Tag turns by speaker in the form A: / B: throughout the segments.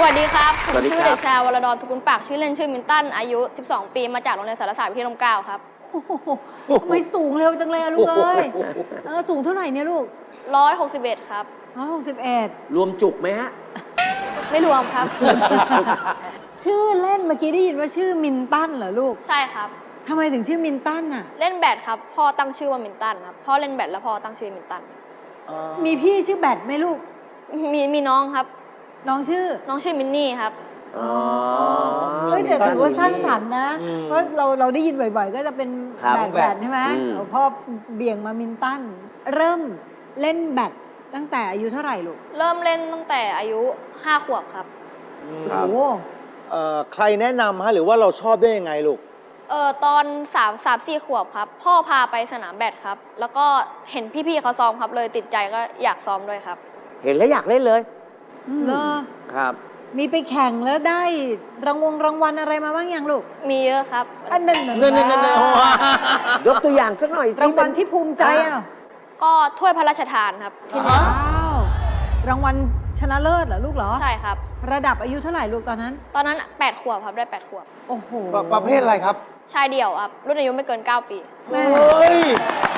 A: วัสดีครับผม
B: สวัสดี
A: ชื่อ
B: ครับ
A: เด็กชายวรดรสกุลปากชื่อเล่นชื่อมินตันอายุ 12 ปีมาจากโรงเรียนสารศาสตร์วิเทศร่มเกล้าครับ
C: โอ้โหทำไมสูงเร็วจังเลยอะลูกเอ้ยสูงเท่าไหร่เนี่ยลูก
A: 161 ครับ
C: 161
B: รวมจุกไหมฮะ
A: ไม่รวมครับ
C: ชื่อเล่นเมื่อกี้ได้ยินว่าชื่อมินตันเหรอลูก
A: ใช่ครับ
C: ทำไมถึงชื่อมินตันอะ
A: เล่นแบดครับพ่อตั้งชื่อว่ามินตันครับพ่อเล่นแบดแล้วพ่อตั้งชื่อมินตัน
C: มีพี่ชื่อแบทไหมลูก
A: มีน้องครับ
C: น้องชื่อ
A: น้องชื่อมินนี่ครับ
B: อ๋อ
C: เฮ้ยแต่ถือว่าสร้างสรรค์นะ
D: อืม
C: เพราะเราได้ยินบ่อยๆ ก็จะเป็น
B: ครับ
C: แบดใช่ไหม
B: อืม
C: พ่อเบี่ยงมามินตัน เริ่มเล่นแบดตั้งแต่อายุเท่าไหร่ลูก
A: เริ่มเล่นตั้งแต่อายุ 5 ขวบครับ
B: ครั
C: โอ้
B: บ
C: โห
D: ใครแนะนำฮะหรือว่าเราชอบได้ยังไงลูก
A: ตอน3-4 ขวบครับพ่อพาไปสนามแบดครับ แล้วก็เห็นพี่ๆเขาซ้อมครับเลยติดใจก็อยากซ้อมด้วยครับ
B: เห็นแล้วอยากเล่นเลย
C: เหรอ
B: ครับ
C: มีไปแข่งแล้วได้รางวัลอะไรมาบ้างยังลูก
A: มีเยอะครับ
C: อันนั้น
D: นั่นๆ
B: ยกตัวอย่างสักหน่อยสิ
C: รางวัลที่ภูมิใจอ่ะ
A: ก็ถ้วยพระราชทานครับที่หนึ่ง
C: ว้าวรางวัลชนะเลิศเหรอลูกเหรอ
A: ใช่ครับ
C: ระดับอายุเท่าไหร่ลูกตอนนั้น
A: ตอนนั้น 8 ขวบครับได้ 8 ขวบ
C: โอ้โห
D: ประเภทอะไรครับ
A: ชายเดี่ยวครับ รุ่นอายุไม่เกิน 9 ปี
C: แม่
D: เฮ้ย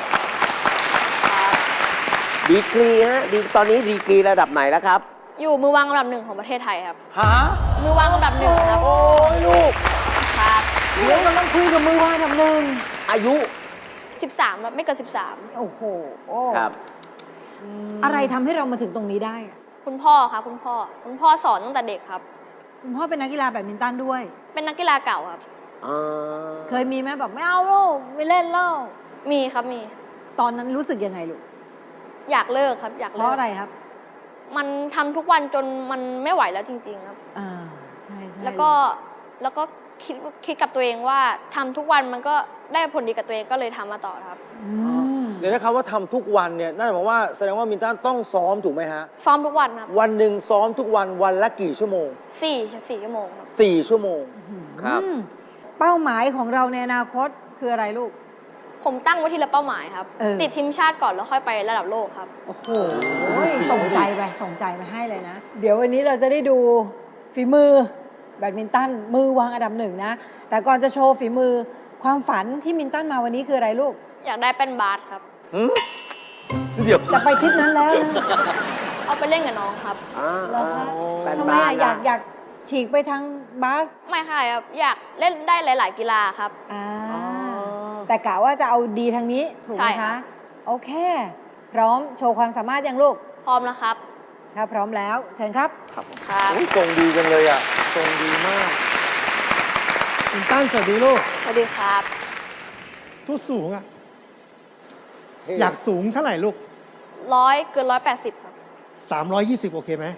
B: ดีกรีฮะตอนนี้ดีกรีระดับไหนแล้วครับ
A: อยู่มือวางอันดับ 1 ของประเทศไทยครับ
D: ฮะ
A: มือวางอันดับ 1 ครับ
D: โอ้ยลูก
A: ครับ
C: เดี๋ยวกำลังคุยกับมือวางอันดับหนึ่ง
B: อายุ
A: 13ครับไม่เกิน
C: โอ้โหโอ้
B: ครับ
C: อะไรทำให้เรามาถึงตรงนี้ได้อะ
A: 13 คุณพ่อครับคุณพ่อสอนตั้งแต่เด็กครับ
C: คุณพ่อเป็นนักกีฬาแบดมินตันด้วย
A: เป็นนักกีฬาเก่าครับ
C: เคยมีไหมแบบไม่เอาลูกไม่เล่นเล่า
A: มีครับมี
C: ตอนนั้นรู้สึกยังไงลูก
A: อยากเลิกครับ อยาก
C: เพ
A: เลิ
C: ราะ
A: ก
C: อะไรครับ
A: มันทำทุกวันจนมันไม่ไหวแล้วจริง ๆ ครับ
C: อ่าใช่ใช่
A: แล้วก็คิดกับตัวเองว่าทำทุกวันมันก็ได้ผลดีกับตัวเองก็เลยทำมาต่อครับ
C: อืม
D: เดี๋ยวนะครับว่าทำทุกวันเนี่ยน่าจะบอกว่าแสดงว่ามินตันต้องซ้อมถูกไหมฮะ
A: ซ้อมทุกวันครับ
D: วันหนึ่งซ้อมทุกวันวันละกี่ชั่วโมง
A: 4 ชั่วโมงครับ
D: 4 ชั่วโมง
B: ครับ
C: อืมเป้าหมายของเราในอนาคตคืออะไรลูก
A: ผมตั้งไว้ทีละเป้าหมายครับ
C: เออ
A: ติดทีมชาติก่อนแล้วค่อยไประดับโลกครับ
C: โอ้โหส่งใจไปให้เลยนะ เดี๋ยววันนี้เราจะได้ดูฝีมือแบดมินตันมือวางอันดับหนึ่งนะ แต่ก่อนจะโชว์ฝีมือความฝันที่มินตันมาวันนี้คืออะไรลูก
A: อยากได้เป็นบาสครับ
D: เดี๋ยว
C: จะไปทิศนั้นแล้วนะ
A: เอาไปเล่นกับน้องครับ
C: เหรอคะ
B: แบน
C: ทำไม
B: บ้าน
C: อะ
B: นะ
C: อยากฉีกไปทางบาส
A: ไม่ค่ะครับ อยากเล่นได้หลาย ๆ กีฬาครับ
C: อ่าแต่กะว่าจะเอาดีทางนี้ถูกไห
A: ใช่
C: ม
A: ค่ะ
C: คะ โอเค พร้อมโชว์ความสามารถยังลูก
A: พร้อมแล้วครับ
C: ถ้าพร้อมแล้ว เชิญครับ
A: ครับ
D: โอ้ยทรงดีจังเลยอ่ะทรงดีมาก
E: มินตันสวัสดีลูก
A: สวัสดีครับ
E: ทุกสูงอ่ะ อยากสูงเท่าไหร่ลูก
A: เกิน 180 ครับ
E: 320 โอเคไหม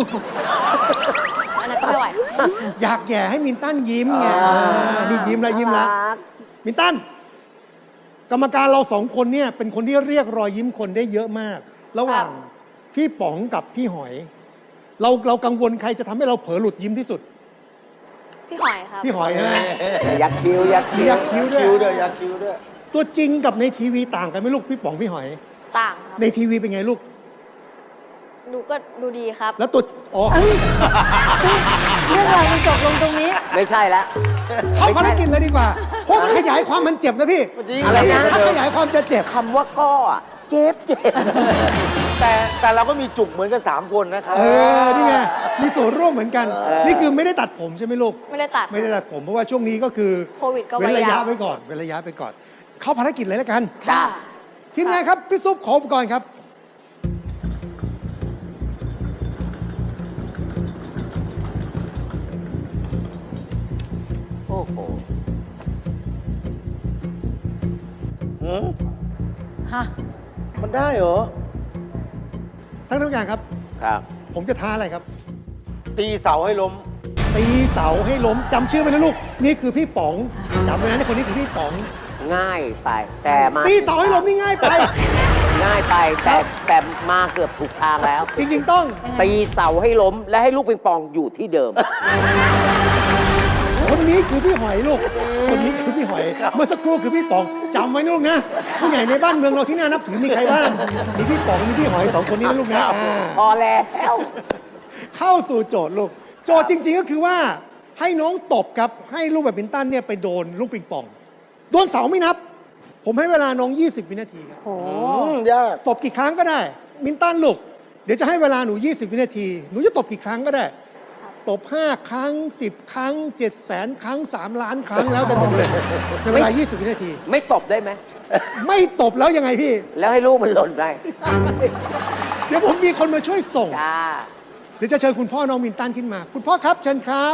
A: อันนั้นก็ไม่ไหวครับ
E: อยากแย่ให้มินตันยิ้มไงนี่ยิ้มแล้วยิ้มแล้ว
B: น่ารัก
E: มินตัน กรรมการเราสองคนเนี่ยเป็นคนที่เรียกรอยยิ้มคนได้เยอะมาก ระหว่างพี่ป๋องกับพี่หอย เรากังวลใครจะทำให้เราเผลอหลุดยิ้มที่สุด
A: พี่หอยครับ
E: พี่หอยใช่ไหม
B: ยักคิ้วยัก
E: มี
B: คิ้ว
E: ยักคิ้วด้วย
D: คิ้วด้วยยักคิ้วด้วย
E: ตัวจริงกับในทีวีต่างกันไหมลูกพี่ป๋องพี่หอย
A: ต่างครับ
E: ในทีวีเป็นไงลูก
A: ดูดีครับ
E: แล้วตัวอ๋อ
C: เรื่องราวมันจบลงตรงนี้
B: ไม่ใช่แล้ว
E: เข้าภารกิจเลยดีกว่า เพราะถ้าขยายความมันเจ็บนะพี่
D: จริง
B: อะไรนะ
E: ถ้าขยายความจะเจ็บ
B: คำว่าก้ออะเจ็บ
D: แต่เราก็มีจุกเหมือนกัน3 คนนะครับ
E: นี่ไง มีส่วนร่วมเหมือนกัน นี่คือไม่ได้ตัดผมใช่ไหมลูก
A: ไม่ได้ตัด
E: ไม่ได้ตัดผมเพราะว่าช่วงนี้ก็คือ
A: โควิดก็
E: เว้นระยะ
A: ไว้ยาว
E: ไว้ก่อน เว้นระยะไปก่อน เข้าภารกิจเลยแล้วกัน
B: จ้า
E: ทีมงานครับ พี่ซุปขออุปกรณ์ครับ
B: โอ้โห
C: ฮะ
D: มันได้เหรอ
E: ทั้งทุกอย่างครับ
B: ครับ
E: ผมจะท้าอะไรครับ
D: ตีเสาให้ล้ม
E: ตีเสาให้ล้มจำชื่อไว้นะลูก นี่คือพี่ป๋องจำไว้นะนี่คนนี้คือพี่ป๋อง
B: ง่ายไป แต่มา
E: ตีเสาให้ล้มนี่ง่ายไป
B: ง่ายไปแต่มาเกือบถูกทางแล้ว
E: จริง ๆ ต้อง
B: ตีเสาให้ล้ม และให้ลูกปิงปองอยู่ที่เดิม
E: คนนี้คือพี่หอยลูก คนนี้คือพี่หอย เมื่อสักครู่คือพี่ป๋องจำไว้นะลูกนะ ผู้ใหญ่ในบ้านเมืองเราที่น่านับถือมีใครบ้าง มีพี่ป๋อง มีพี่หอย2 คนนี้นะลูกนะ
B: พอแล้ว
E: เข้าสู่โจทย์ลูกโจทย์จริง ๆ ก็คือว่าให้น้องตบครับ ให้ลูกแบดมินตันเนี่ยไปโดนลูกปิงปอง โดนเสาไม่นับ ผมให้เวลาน้อง 20 วินาทีครับ
C: โอ้
D: ยาก
E: ตบกี่ครั้งก็ได้ มินตันลูก เดี๋ยวจะให้เวลาหนู 20 วินาที หนูจะตบกี่ครั้งก็ได้ ตบ 5 ครั้ง 10 ครั้ง 700,000 ครั้ง 3 ล้านครั้งแล้วแต่หนูเลยในเวลา 20 วินาที
B: ไม่ตบได้ไหม
E: ไม่ตบแล้วยังไงพี่
B: แล้วให้ลูกมันหล่นได้
E: เดี๋ยวผมมีคนมาช่วยส่ง
B: จ้า
E: เดี๋ยวจะเชิญคุณพ่อน้องมินตันขึ้นมา คุณพ่อครับเชิญครับ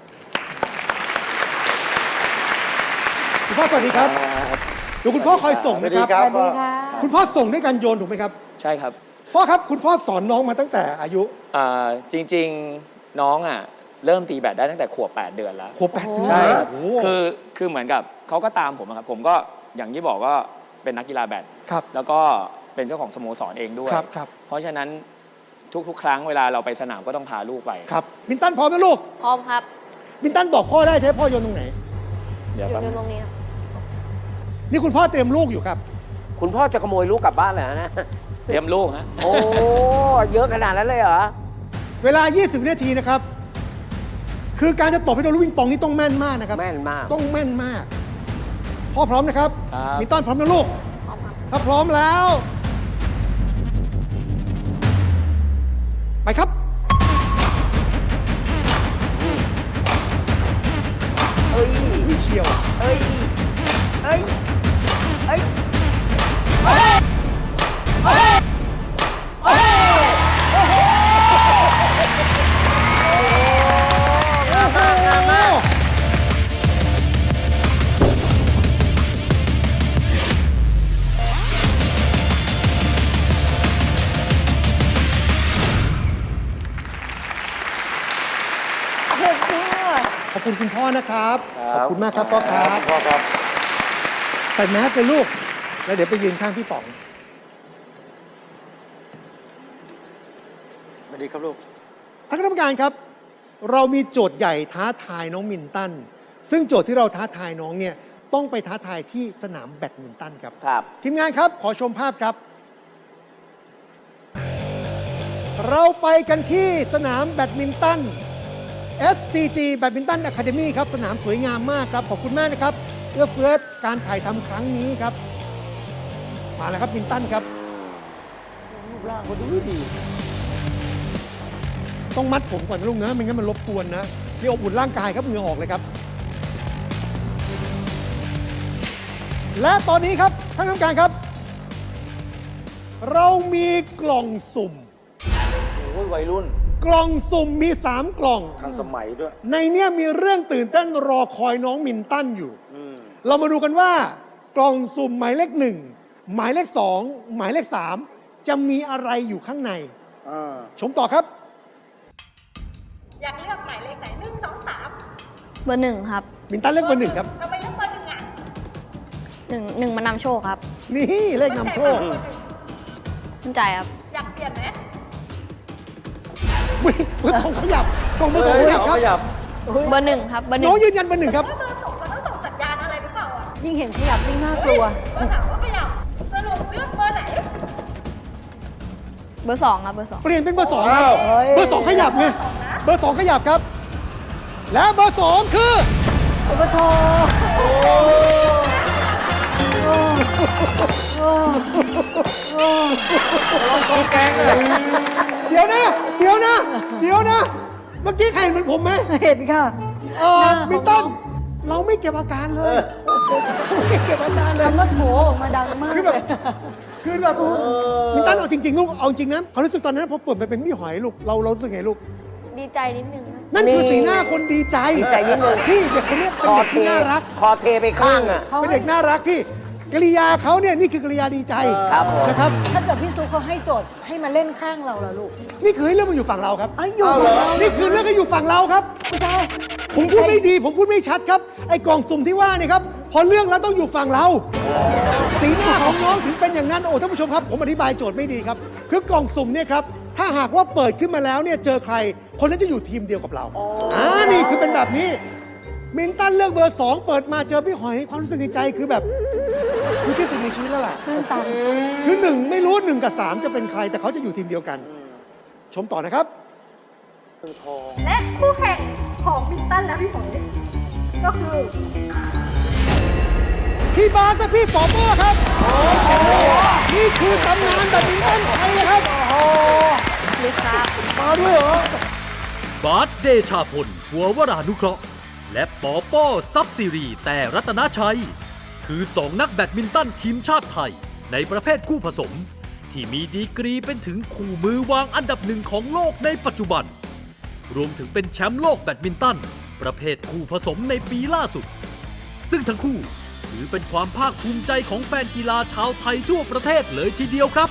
E: คุณพ่อสวัสดีครับ เดี๋ยวคุณพ่อคอยส่งนะครับ
C: สวัสดีค่ะ
E: คุณพ่อส่งด้วยการโยนถูกไหมครับ
F: ใช่ครับ
E: พ่อครับคุณพ่อสอนน้องมาตั้งแต่อายุ
F: จริงๆน้องอ่ะเริ่มตีแบดได้ตั้งแต่ขวบ 8 เดือนแล้ว
E: ขวบ8 เดือน
F: ใช่ครับ
E: โอ้โห
F: คือเหมือนกับเขาก็ตามผมอะครับผมก็อย่างที่บอกก็เป็นนักกีฬาแบด
E: ครับ
F: แล้วก็เป็นเจ้าของสโมสรเองด้วย
E: ครับครับ
F: เพราะฉะนั้นทุกๆ ครั้งเวลาเราไปสนามก็ต้องพาลูกไป
E: ครับมินตันพร้อมไหมลูก
A: พร้อมครับ
E: มินตันบอกพ่อได้ใช้พ่อโยนตรงไหน
F: เดี๋ยว
A: อยู่
F: แป๊บ
A: อ
F: นึ
A: ยู่
F: ง
A: ตรงนี้ครับ
E: นี่คุณพ่อเตรียมลูกอยู่ครับ
B: คุณพ่อจะขโมยลูกกลับบ้านเลยนะ
F: เตรียมลูกฮะ
B: โอ้ เยอะขนาดนั้นเลยเหรอ
E: เวลา 20 วินาทีนะครับ คือการจะตบให้โดนลูกปิงปองนี่ต้องแม่นมากนะครับ
B: แม่นมาก
E: ต้องแม่นมาก พ่อพร้อมนะครับ
F: ครับ
E: มินตันพร้อมนะลูก
A: พร้อมครับ
E: ถ้าพร้อมแล้ว ไปครับ
B: เอ้ย
E: วิเชียว
B: เอ้ย เอ้ย เอ้ย
E: ขอบคุณคุณพ่อนะครับ
F: ครับ
E: ขอบคุณมากครับพ่อครับ
D: พ่อครับ
E: ใส่แมสเลยลูก แล้วเดี๋ยวไปยืนข้างพี่ป๋อง
D: สวัสดีครับลูก
E: ท่านคณะกรรมการครับ เรามีโจทย์ใหญ่ท้าทายน้องมินตัน ซึ่งโจทย์ที่เราท้าทายน้องเนี่ยต้องไปท้าทายที่สนามแบดมินตันครับ
B: ครับ
E: ทีมงานครับ ขอชมภาพครับ เราไปกันที่สนามแบดมินตัน SCG แบดมินตันอะคาเดมี่ครับ สนามสวยงามมากครับ ขอบคุณมากนะครับ เอื้อเฟื้อการถ่ายทำครั้งนี้ครับ มาแล้วครับมินตันครับ
B: รูปร่างเขาดูดี
E: ต้องมัดผมก่อนนะลูกนะไม่งั้นมันรบกวนนะนี่อบอุ่นร่างกายครับเหงื่อออกเลยครับ และตอนนี้ครับท่านกรรมการครับ เรามีกล่องสุ่ม
D: โอ้ยวัยรุ่น
E: กล่องสุ่มมี 3 กล่อง
D: ทันสมัยด้วย
E: ในเนี้ยมีเรื่องตื่นเต้นรอคอยน้องมินตันอยู่ เรามาดูกันว่ากล่องสุ่มหมายเลข 1 หมายเลข 2 หมายเลข 3 จะมีอะไรอยู่ข้างใน ชมต่อครับ
G: อยากเลือกหมายเลขไหน1 2 3
A: เบอร์หนึ่งครับ
E: มินตันเลือกเบอร์ 1 ครับ
G: ทำไมเลือกเบอร์หนึ่งอ่ะ
A: หนึ่งมานำโชคครับ
E: นี่เลขนำโชค
A: มั่นใจครับ
G: อยากเปลี่ยนไหม
E: อุ๊ยเบอร์ 2 ขยับกล่องเบอร์ 2 ขยับครับ
A: เบอร์หนึ่งครับ เบอร์หนึ่
E: น้
A: ง
E: องยืนยันเบอร์ 1 ครับ
G: ว่าเบอร์สองเขาต้องส่งสัญญาณอะไรหรือเปล่าอ่ะ
C: ยิ่งเห็นขยับยิ่งน่ากลัว
G: เบอร์สามก็ขยับสรุปเลือกเบอร์ไหน
A: เบอร์สองครับ เบอร์สอง
E: เปลี่ยนเป็นเบอร์ 2 ครับ
C: เฮ้ย
E: เบอร์ 2 ขยับไง เบอร์ 2 ขยับครับ และเบอร์ 2 คือ
C: โอ้โห
E: เดี๋ยวนะ เดี๋ยวนะ เดี๋ยวนะ เมื่อกี้ใครเห็นเหมือนผมไหม
C: เห็นค่ะ
E: มินตัน เราไม่เก็บอาการเลยไม่เก็บอาการเลย
C: คำว่าโถออกมาดังมาก
E: คือแบบ
C: เลย
E: คือแบบมินตันเอาจริงๆลูก เอาจริงนะความรู้สึกตอนนั้นพอเปิดไปเป็นพี่หอยลูก เรารู้สึกไงลูก
A: ดีใจนิดนึงครับ
E: นั่นคือสีหน้าคนดีใจ
B: ดีใจนิดนึง
E: พี่เด็กคนนี้
B: ค
E: เป็น
B: อ
E: เด็ก
B: เท
E: ที่น่ารัก
B: คอเทไปข้างอ่ะ
E: เป็นเด็กน่ารักพี่กริยาเขาเนี่ยนี่คือกริยาดีใจ
B: ครับผม
E: นะครับ
C: ถ้าเกิดพี่ซุปเขาให้โจทย์ให้มาเล่นข้างเราล่ะลูก
E: นี่คือให้เรื่องมันอยู่ฝั่งเราครับ
C: อ้าวอยู่กับเรา
E: นี่คือเรื่องก็อยู่ฝั่งเราครับ
C: คุณตา
E: ผมพูดไม่ดี ผมพูดไม่ชัดครับ ไอ้กล่องสุ่มที่ว่าเนี่ยครับ พอเรื่องแล้วต้องอยู่ฝั่งเรา สีหน้าของน้องถึงเป็นอย่างนั้น โอ้ท่านผู้ชมครับ ผมอธิบายโจทย์ไม่ดีครับ คือกล่องสุ่มเนี่ยครับ ถ้าหากว่าเปิดขึ้นมาแล้วเนี่ยเจอใคร คนนั้นจะอยู่ทีมเดียวกับเรานี่คือเป็นแบบนี้ มินตันเลือกเบอร์ 2 เปิดมาเจอพี่หอยความรู้สึกในใจคือแบบคือที่สุดในชีวิตแล้วแหละ
C: ตื้นตัน
E: คือ1ไม่รู้1กับ3จะเป็นใคร แต่เขาจะอยู่ทีมเดียวกัน ชมต่อนะครับ
G: และคู่แข่งของมินตันและพี่หอยก็คือ
E: พี่บาสและพี่ปอป้อครับ นี่คือตำนานแบดมินตันไทยครับ
A: นี่ครับ
E: มาด้วยเหรอ
H: บาสเดชาพลหัววรานุเคราะห์และปอป้อซับซีรีแต่รัตนชัย คือสองนักแบดมินตันทีมชาติไทย ในประเภทคู่ผสม ที่มีดีกรีเป็นถึงคู่มือวางอันดับหนึ่งของโลกในปัจจุบัน รวมถึงเป็นแชมป์โลกแบดมินตัน ประเภทคู่ผสมในปีล่าสุด ซึ่งทั้งคู่ถือเป็นความภาคภูมิใจของแฟนกีฬาชาวไทยทั่วประเทศเลยทีเดียวครับ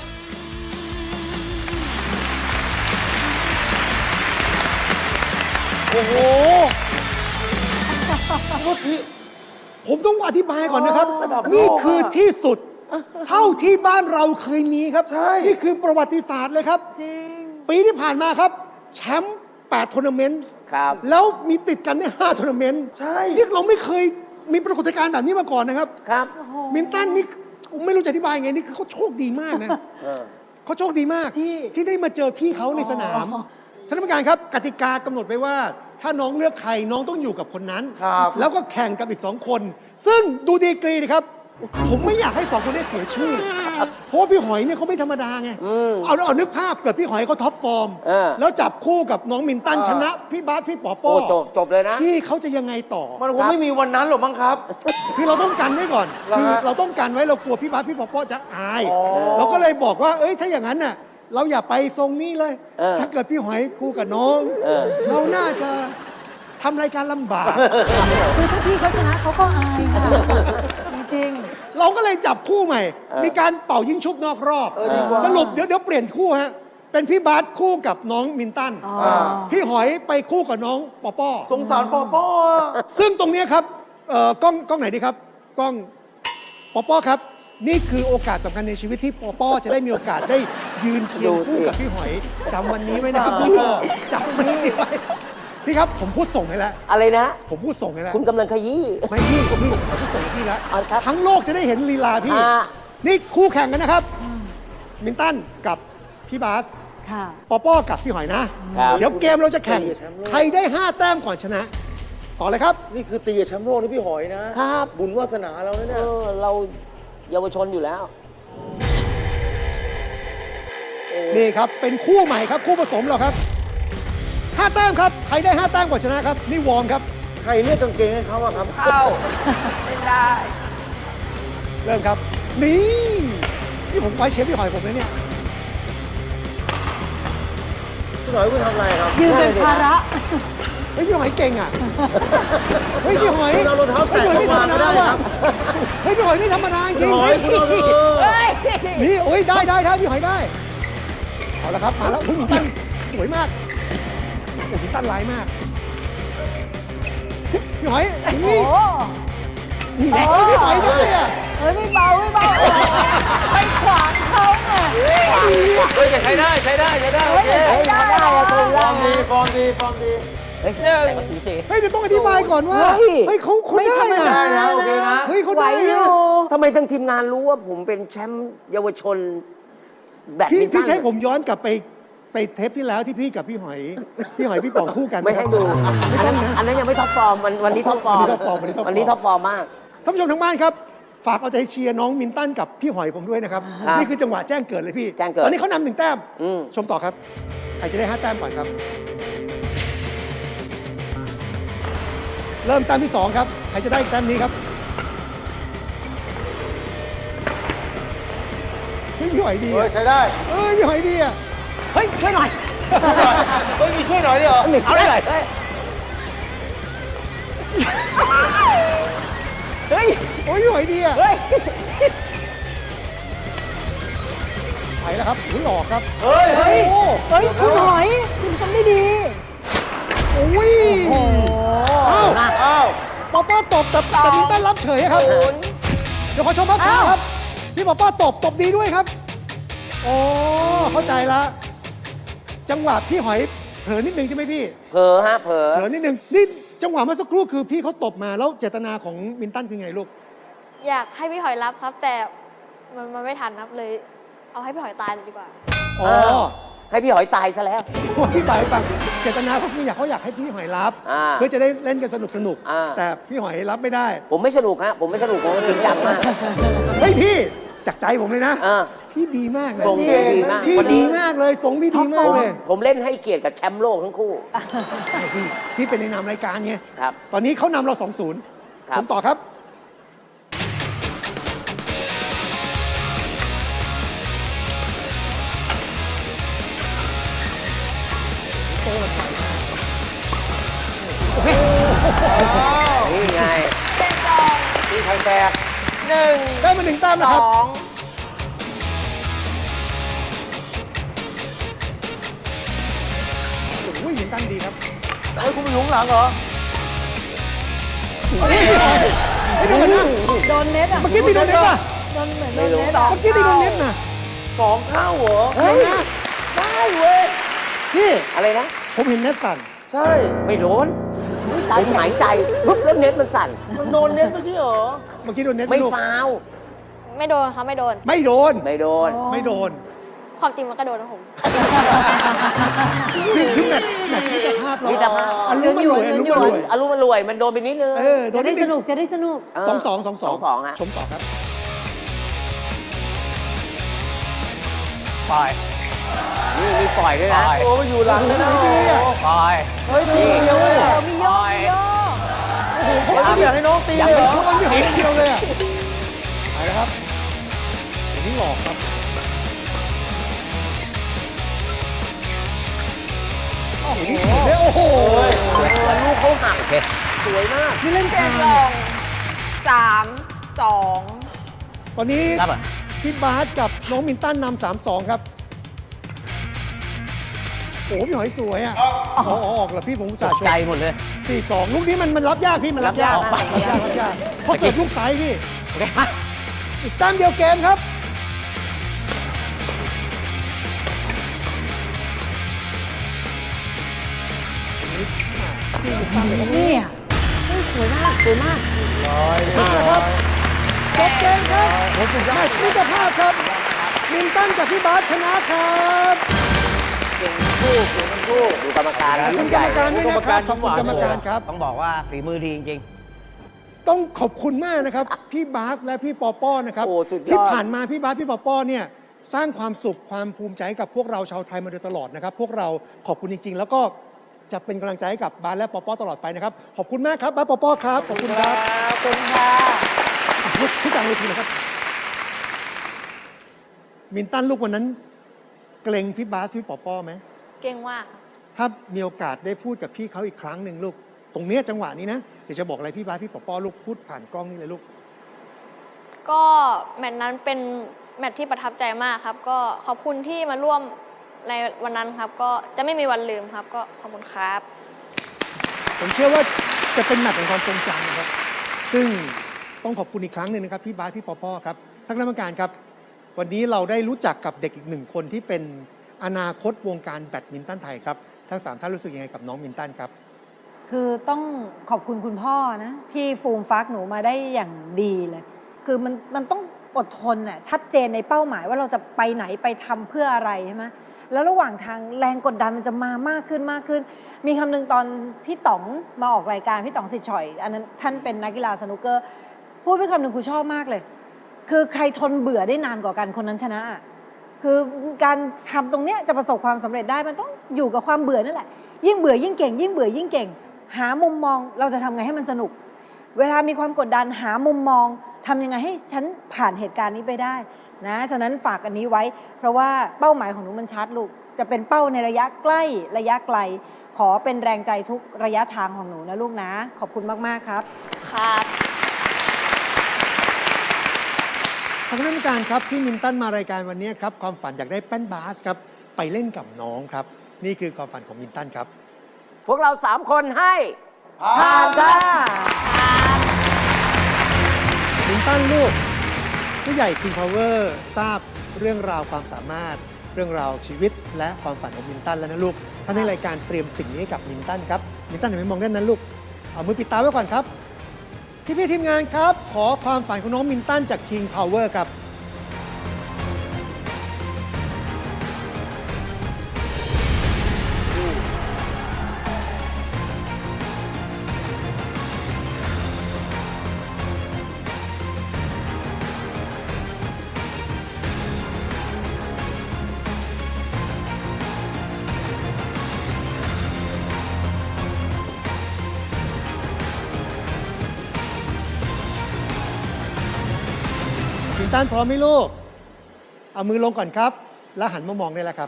E: โอ้โหผมต้องอธิบายก่อนนะครับ นี่คือที่สุด เท่าที่บ้านเราเคยมีครับ นี่คือประวัติศาสตร์เลยครับ
C: จริง
E: ปีที่ผ่านมาครับ แชมป์8ทัวร์นาเมนต์
B: ครับ
E: แล้วมีติดกันได้5ทัวร์นาเมนต์
B: ใช่
E: นี่เราไม่เคยมีปรากฏการณ์แบบนี้มาก่อนนะครับ
B: ครับ
E: มินตันนี่ไม่รู้จะอธิบายไง นี่คือเขาโชคดีมากนะ
B: เออ
E: เขาโชคดีมาก
C: ที่
E: ที่ได้มาเจอพี่เขาในสนาม
C: อ๋อ
E: ท่านผู้การครับกติกากำหนดไว้ว่า ถ้าน้องเลือกใครน้องต้องอยู่กับคนนั้น
D: ครับ
E: แล้วก็แข่งกับอีก2 คน ซึ่งดูดีกรีนะครับ ผมไม่อยากให้2 คนนี้เสียชื่อ เพราะว่าพี่หอยเนี่ยเขาไม่ธรรมดาไง เอานึกภาพเกิดพี่หอยเขาท็อปฟอร์ม
B: เออ
E: แล้วจับคู่กับน้องมินตันชนะพี่บาสพี่ปอป้
B: โอ้
E: อ
B: จบเลยนะ
E: พี่เขาจะยังไงต่อ
D: มันคงไม่มีวันนั้นหรอกมั้งครับ
E: คือเราต้องกันไว้ก่อน
D: เหรอ
E: คือ
D: ฮะ
E: เราต้องกันไว้เรากลัวพี่บาสพี่ปอป้อจะอาย
D: อ๋อ
E: เราก็เลยบอกว่า เอ้ยถ้าอย่างนั้นน่ะ เราอย่าไปทรงนี้เลย
B: เออ
E: ถ้าเกิดพี่หอยคู่กับน้อง
B: เออ
E: เราน่าจะทำรายการลำบาก
C: คือถ้าพี่เขาชนะเขาก็อายค่ะ จริง
E: เราก็เลยจับคู่ใหม่ มีการเป่ายิงชุบนอกรอบ
D: ดีกว่า
E: สรุปเดี๋ยวเปลี่ยนคู่ฮะ เป็นพี่บาสคู่กับน้องมินตัน
C: อ๋อ
E: พี่หอยไปคู่กับน้องปอป้อ
D: สงสารปอป้อ
E: ซึ่งตรงเนี้ยครับกล้องไหนดีครับ กล้องปอป้อครับ นี่คือโอกาสสำคัญในชีวิตที่ปอป้อจะได้มีโอกาสได้ยืนเคียงคู่กับพี่หอยจำวันนี้ไว้นะครับปอป้อจำวันนี้ไว้พี่ครับผมพูดส่งให้แล้ว
B: อะไรนะ
E: ผมพูดส่งให้แล้ว
B: คุณกำลังขยี้
E: ไม่พี่ผมพูดส่งให้พี่แล้ว
B: เอาครับ
E: ทั้งโลกจะได้เห็นลีลาพี่
B: อ่า
E: นี่คู่แข่งกันนะครับ มินตันกับพี่บาส
C: ๆ ค่ะ
E: ปอป้อกับพี่หอยนะ
B: ครับ
E: เดี๋ยวเกมเราจะแข่ง ใครได้ 5 แต้มก่อนชนะ ต่อเลยครับ
D: นี่คือตีกับแชมป์โลกนี่พี่หอยนะ
B: ครับ
D: บุญวาสนาเราเนี่ย
B: เราเยาวชนอยู่แล้ว
E: นี่ครับ เป็นคู่ใหม่ครับ คู่ผสมเราครับ 5 แต้มครับ ใครได้ 5 แต้มก่อนชนะครับ นี่วอร์มครับ
D: ใครเลือกกางเกงให้เขาอะครับ
A: เข้าเล่นได้
E: เริ่มครับ นี่นี่ผมไว้เชฟพี่หอยผมนะเนี่ย
D: พี่หอยคุณทำอะไรครับ
C: ยืนเป็นภาระ
E: เฮ้ยพี่หอยเก่งอ่ะ เฮ้ยพี่หอย
D: คุณเอารองเท้าแตะ
E: ฮ้ยพี่หอย
D: ออกมาก็ได้
E: ไม่ธรรมดา
D: ครั
E: ว่ะ
D: บ
E: เฮ้ยพี่หอยไม่ธรรมดาจริ
D: พี่
E: ง
D: หอยคุณเอาเลย
E: นี่โอ้ยได้พี่หอยได้ เอาละครับมาแล้วคุณตั้นสวยมากโอ้คุณตั้นร้ายมากพี่หอย
C: โอ้
E: นี่เฮ้ยพี่หอยได้อะ
C: เฮ้ยไม่เบาไปขวางเขาไง
F: เฮ้ยแต่ใช้ได้ใช้ได้ใช้ได้โอเค
C: ไม่ได้อะ
D: ฟอร์มดีฟอร์มดีฟอร์มดี
B: เฮ้ยแต่ก็สูสี
E: เฮ้ยเดี๋ยวต้องอธิบายก่อนว่า
B: เฮ้ย
E: เฮ้ยเขาได้
C: ไม่ธรรม
E: นะ
C: ดา
D: ได้นะโอเคนะ
E: เฮ้ยเขา
C: ไหว
E: ได้
C: อ
E: นะ
C: ยู่
B: ทำไมทั้งทีมงานรู้ว่าผมเป็นแชมป์เยาวชนแบด
E: พี่
B: มินตัน
E: พี่ใช้ผมย้อนกลับไปเทปที่แล้วที่พี่กับพี่หอยพี่ป๋องคู่กัน
B: ไม่ให้ดู
E: ไม่
B: อัน
E: ต้
B: นั้
E: อน งนะ
B: อันนั้นยังไม่ท็อปฟอร์มวันนี้ท็อปฟอร์ม
E: วันนี้ท็อปฟอร์มวันนี้ท็อปฟอร์ม
B: วันนี้ท็อปฟอร์มมาก
E: ท่านผู้ชมทางบ้านครับ ฝากเอาใจเชียร์น้องมินตันกับพี่หอยผมด้วยนะครับ
B: ครับ
E: นี่คือจังหวะแจ้งเกิดเลยพี่
B: แจ้งเกิด
E: ตอนนี้เขานำ1 แต้ม
B: อืม
E: ชมต่อครับ ใครจะได้ 5 แต้มก่อนครับ เริ่มแต้มที่ 2 ครับ ใครจะได้แต้มนี้ครับเฮ้ยพี่หอยดี
D: เฮ้ย
E: อะ
D: ใช้ได้
E: เอ้ยพี่หอยดีอะ
B: เฮ้ย ช่วยหน่อย
D: เฮ้ยมีช่วยหน่อยดิเหรอ
B: เอาได้หน่อยเฮ้ยเฮ้ย
E: โอ้ยพี่หอยดีอะ
B: เฮ้ย
E: ไปแล้วครับอุ้ยหลอกครับ
D: เฮ้ย
E: โอ้โห
C: เฮ้ยคุณหอยคุณทำได้ดี
E: โอ้ย
C: โอ้
E: อ้าว
D: อ้าว
E: ป๊อปป้าตบแต่มินตันรับเฉยครับ เดี๋ยวขอชมภาพช้าครับ พี่ป๊อปป้าตบดีด้วยครับอ๋อเข้าใจละ จังหวะพี่หอยเผลอนิดนึงใช่ไหมพี่
B: เผลอฮะเผลอ
E: เผลอนิดนึง นี่จังหวะเมื่อสักครู่คือพี่เขาตบมาแล้วเจตนาของมินตันคือไงลูก
A: อยากให้พี่หอยรับครับ แต่มันไม่ทันครับเลย เอาให้พี่หอยตายเลยดีกว่า
E: อ๋อ
B: ใให้พี่หอยตายซะแล้ว
E: ผมอธิบายให้ฟังเจตนาเขาคือเขาอยากให้พี่หอยรับ
B: อ่า
E: เพื่อจะได้เล่นกันสนุก
B: อ่า
E: แต่พี่หอยรับไม่ได้
B: ผมไม่สนุกฮะผมไม่สนุกผมจริงจังมาก
E: เฮ้ยพี่จากใจผมเลยนะ
B: อ่า
E: พี่ดีมากนะ
B: ทรงดีมาก
E: พี่
B: วัน
E: ดี
B: นี้
E: มากเลยทรงพี่ดีมากเลย
B: ผมเล่นให้เกียรติกับแชมป์โลกทั้งคู่
E: ใช่พี่เป็นในนามรายการไง
B: ครับ
E: ตอนนี้เขานำเรา 2-0
B: ครับ
E: ชมต่อครับ
B: นี่ไง
D: ที่ไทยแตก
E: ได้มา1 แต้มนะครับ โอ้ยหมินตันดีครับ
D: เฮ้ยคุณไปอยู่ข้างหลังเหรอ
E: เฮ้ยพี่หอยเฮ้ยเดี๋ยวก่อนนะ
C: โดนเน็ตอ่ะ
E: เมื่อกี้ตีโดนเน็ตป่ะ
C: โดนเหมือนโด
B: ไม่
C: น
B: รู้
C: เน็ตอะ
E: เมื่อกี้ตีโดนเน็ตนะ
D: 2 เท่าเหรอ
E: เฮ้ยนะ
B: ได้เว้ย
E: พี่
B: อะไรนะ
E: ผมเห็นเน็ตสั่น
D: ใช่
B: ไม่โดนผมหายใจปุ๊บแล้วเน็ตมันสั่น
D: มันโดนเน็ตไม่ใช่เหรอ
E: เมื่อกี้โดนเน็ต
B: ไม่
E: ลูก
B: ฟาวล์
A: ไม่โดนครับไม่โดน
E: ไม่โดน
B: ไม่โดน
E: ไม่โดน
A: ความจริงมันก็โดนนะผม
E: คือแมตช์มิตรภาพเรา
B: มิตรภาพ
E: อารมณ์มันรวยอารมณ์มันรวย
B: อารมณ์มันรวยมันโดนไปนิดนึง
E: เออโด
C: จะ
E: น
C: ได้
E: นิด
C: สนุกจะได้สนุก
E: 2-2
B: ฮะ
E: ชมต่อครับ
B: นี่มีปล่อยด้วยนะ
D: โอ้มันอยู่หลังเลยนะ
E: ไม่ดีอะ
D: เฮ้ยตีเดียวเลยอะ
C: มีโยกมีโยก
E: โอ้โหเขา
D: ไม่
E: ไม่
D: อยากให้น้องตี
E: อยาก
D: เลย
E: ไป
D: เหร
E: ช
D: อ
E: กกันพี่หอยอย่างเดียวเลยอ่ะไปแล้วครับอันนี้หลอกครับโอ้โหนี่เฉยเลยโอ้โห
B: แล้วลูกเขาหักสวยมาก
E: นี่เล่นกลาง
C: 3-2
E: ตอนนี้พี่บาสกับน้องมินตันนำ3-2 ครับ โอ้โหพี่หอยสวยอ่ะออกเหรอพี่ผมอุตส่าห์ชม
B: ใจหมดเลย
E: 4-2 ลูกนี้มันรับยากพี่มันรับยาก
B: รับยาก
E: รับยากเขาเสิร์ฟลูกซ้ายพี่อีกแต้มเดียวเกมครับจี้ลูกตั้งเลยครับ
C: นี่อ่ะเฮ้ยสวยมากสวยมาก
E: มาแล้วครับจบเกมครับแมตช์มิตรภาพครับมินตันกับพี่บาสชนะครับ
B: ดูกรรมการ
E: ขอบคุ
B: รุ่
E: ณ
B: น
E: ก
B: ให
E: ร
B: ญ่
E: รมการด้วยนะครับขอบคุณกรรมการครับ
B: ต้องบอกว่าฝีมือดีจริง
E: ต้องขอบคุณมากนะครับ พี่บาสและพี่ปอป้อนะครับ
B: โอ้สุดยอด
E: ที่ผ่านมาพี่บาสพี่ปอป้อเนี่ยสร้างความสุขความภูมิใจให้กับพวกเราชาวไทยมาโดยตลอดนะครับ พวกเราขอบคุณจริง ๆ แล้วก็จะเป็นกำลังใจให้กับบาสและปอป้อตลอดไปนะครับขอบคุณมากครับบาสปอป้อครับขอบคุณครับ
C: ขอบคุณค่ะ
E: พี่กลางเวทีนะครับมินตันลูกวันนั้น เกรงพี่บาสพี่ปอป้อไหม
A: เก่งมากครับ
E: ถ้ามีโอกาสได้พูดกับพี่เขาอีกครั้งหนึ่งลูกตรงเนี้ยจังหวะนี้นะเดี๋ยวจะบอกอะไรพี่บาสพี่ปอป้อลูกพูดผ่านกล้องนี่เลยลูก
A: ก็แมตช์นั้นเป็นแมตช์ที่ประทับใจมากครับ ก็ขอบคุณที่มาร่วมในวันนั้นครับ ก็จะไม่มีวันลืมครับ ก็ขอบคุณครับ
E: ผมเชื่อว่าจะเป็นแมตช์แห่งความทรงจำนะครับ ซึ่งต้องขอบคุณอีกครั้งหนึ่งนะครับพี่บาสพี่ปอป้อครับท่านคณะกรรมการครับ วันนี้เราได้รู้จักกับเด็กอีกหนึ่งคนที่เป็นอนาคตวงการแบดมินตันไทยครับทั้ง3ท่านรู้สึกยังไงกับน้องมินตันครับ
C: คือต้องขอบคุณคุณพ่อนะ ที่ฟูมฟักหนูมาได้อย่างดีเลย คือมันต้องอดทนน่ะชัดเจนในเป้าหมายว่าเราจะไปไหนไปทำเพื่ออะไรใช่ไหมแล้วระหว่างทางแรงกดดันมันจะมามากขึ้นมากขึ้น มีคำหนึ่งตอนพี่ต๋องมาออกรายการพี่ต๋องสิทธิ์ฉ่อย อันนั้นท่านเป็นนักกีฬาสนุกเกอร์พูดไปคำหนึ่งครูชอบมากเลย คือใครทนเบื่อได้นานกว่ากันคนนั้นชนะ คือการทำตรงเนี้ยจะประสบความสำเร็จได้มันต้องอยู่กับความเบื่อนั่นแหละยิ่งเบื่อยิ่งเก่งยิ่งเบื่อยิ่งเก่ง หามุมมองเราจะทำไงให้มันสนุก เวลามีความกดดันหามุมมองทำยังไงให้ฉันผ่านเหตุการณ์นี้ไปได้นะฉะนั้นฝากอันนี้ไว้ เพราะว่าเป้าหมายของหนูมันชัดลูกจะเป็นเป้าในระยะใกล้ระยะไกล ขอเป็นแรงใจทุกระยะทางของหนูนะลูกนะขอบคุณมากๆครับ
A: ครับ
E: ทางคณะกรรมการครับที่มินตันมารายการวันนี้ครับความฝันอยากได้แป้นบาสครับไปเล่นกับน้องครับนี่คือความฝันของมินตันครับ
B: ๆ พวกเรา3 คนให้
C: ผ่านค่ะ
E: มินตันลูกผู้ใหญ่ King Power ทราบเรื่องราวความสามารถ เรื่องราวชีวิตและความฝันของมินตันแล้วนะลูกท่านในรายการเตรียมสิ่งนี้ให้กับมินตันครับมินตันอย่าไปมองด้านนั้นลูกเอามือปิดตาไว้ก่อนครับพี่ๆทีมงานครับ ขอความฝันของน้องมินตันจาก King Power ครับตันพร้อมไหมลูก เอามือลงก่อนครับ แล้วหันมามองได้แล้วครับ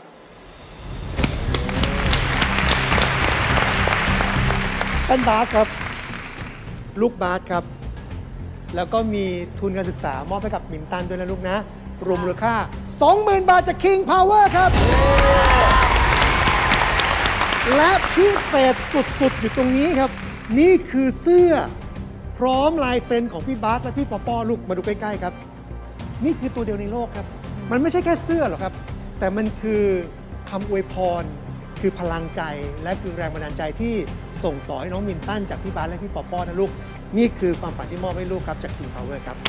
E: ต้นบาสครับ ลูกบาสครับ แล้วก็มีทุนการศึกษามอบให้กับมินตันด้วยนะลูกนะ รวมมูลค่า 20,000 บาทจาก King Power ครับ และพิเศษสุดๆ อยู่ตรงนี้ครับ นี่คือเสื้อพร้อมลายเซ็นของพี่บาสและพี่ปอปอลูกมาดูใกล้ๆครับ นี่คือตัวเดียวในโลกครับ มันไม่ใช่แค่เสื้อหรอกครับ แต่มันคือคำอวยพร คือพลังใจและคือแรงบันดาลใจที่ส่งต่อให้น้องมินตันจากพี่บาสและพี่ปอปอนะลูก นี่คือความฝันที่มอบให้ลูกครับจาก King Power ครับ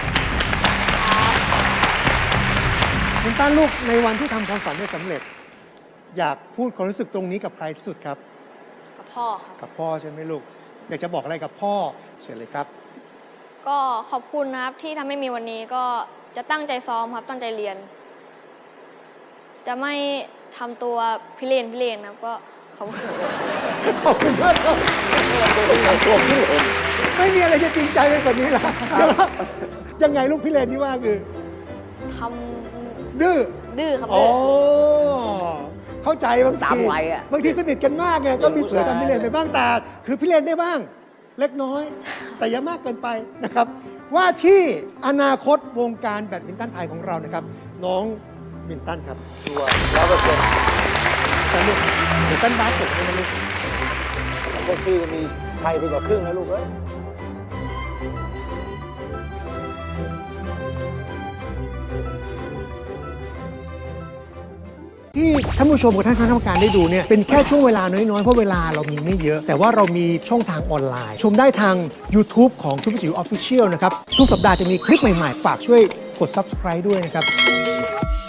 E: มินตันลูกในวันที่ทำความฝันได้สำเร็จ อยากพูดความรู้สึกตรงนี้กับใครที่สุดครับ
A: กับพ่อครับ
E: กับพ่อใช่ไหมลูก อยากจะบอกอะไรกับพ่อเชิญเลยครับ
A: ก็ขอบคุณนะครับที่ทำให้มีวันนี้ก็จะตั้งใจซ้อมครับตั้งใจเรียน จะไม่ทำตัวพิเรนครับก็ขอบคุณ
E: ขอบคุณมากครับไม่มีอะไรจะจริงใจไปกว่านี้ละยังไงลูกพี่เลนที่ว่าคือ
A: ทำ
E: ดื้อ
A: ดื้อครับ
E: อ๋อ
A: ดื้อ
E: เข้าใจบาง
B: ตาม
E: ที
B: วัยอะ
E: บางทีสนิทกันมากไงก็มีเผลอทำพี่เลนไปบ้างแต่คือพี่เลนได้บ้าง เล็กน้อย แต่อย่ามากเกินไปนะครับ ว่าที่อนาคตวงการแบดมินตันไทยของเรานะครับ น้องมินตันครับ
D: ชัวร์100%
E: แต่ลูกเดี๋ยวตันบาสจบให้นะลูก
D: พวกพี่จะมีชัยไปกว่าครึ่งนะลูกเอ้ย
E: ที่ท่านผู้ชมกับท่านคณะกรรมการได้ดูเนี่ยเป็นแค่ช่วงเวลาน้อยๆ เพราะเวลาเรามีไม่เยอะ แต่ว่าเรามีช่องทางออนไลน์ ชมได้ทาง YouTube ของทุกจิ๋ว Official นะครับ ทุกสัปดาห์จะมีคลิปใหม่ๆ ฝากช่วยกด Subscribe ด้วยนะครับ